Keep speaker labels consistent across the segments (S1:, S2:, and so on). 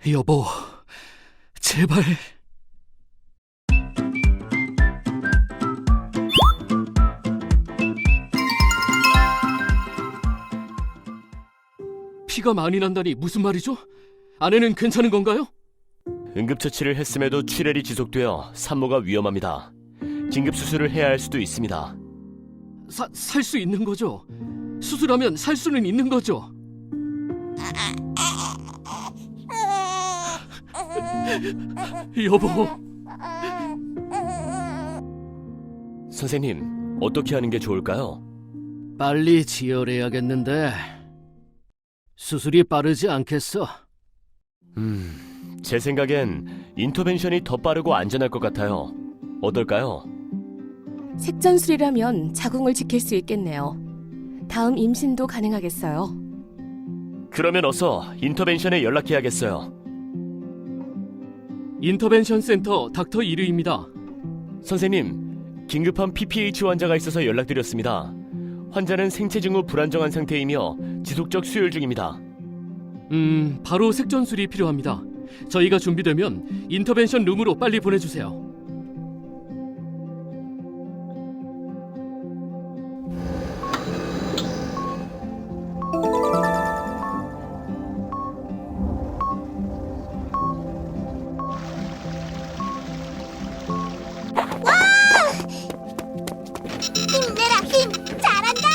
S1: 여보, 제발. 피가 많이 난다니 무슨 말이죠? 아내는 괜찮은 건가요?
S2: 응급처치를 했음에도 출혈이 지속되어 산모가 위험합니다. 긴급 수술을 해야 할 수도 있습니다.
S1: 살 수 있는 거죠? 수술하면 살 수는 있는 거죠? 여보.
S2: 선생님, 어떻게 하는 게 좋을까요?
S1: 빨리 지혈해야겠는데 수술이 빠르지 않겠어?
S2: 제 생각엔 인터벤션이 더 빠르고 안전할 것 같아요. 어떨까요?
S3: 색전술이라면 자궁을 지킬 수 있겠네요. 다음 임신도 가능하겠어요.
S2: 그러면 어서 인터벤션에 연락해야겠어요.
S1: 인터벤션 센터 닥터 이르입니다.
S2: 선생님, 긴급한 PPH 환자가 있어서 연락드렸습니다. 환자는 생체 징후 불안정한 상태이며 지속적 수혈 중입니다.
S1: 바로 색전술이 필요합니다. 저희가 준비되면 인터벤션 룸으로 빨리 보내주세요.
S4: 힘내라 힘! 잘한다!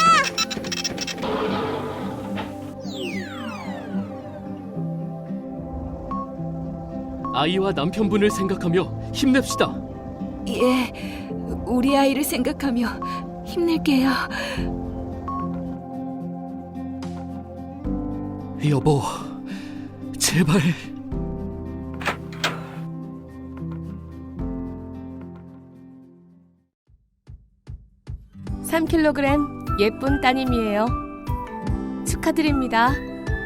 S1: 아이와 남편분을 생각하며 힘냅시다.
S5: 예, 우리 아이를 생각하며 힘낼게요.
S1: 여보, 제발.
S3: (3kg) 예쁜 따님이에요. 축하드립니다.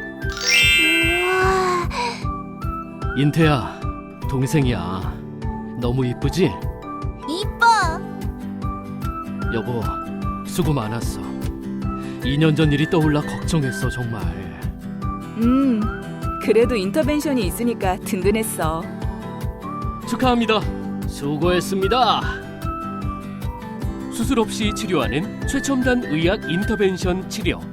S4: 우와,
S1: 인태야, 동생이야. 너무 이쁘지?
S4: 이뻐!
S1: 여보, 수고 많았어. 2년 전 일이 떠올라 걱정했어, 정말.
S5: 그래도 인터벤션이 있으니까 든든했어.
S1: 축하합니다. 수고했습니다. 수술 없이 치료하는 최첨단 의학 인터벤션 치료.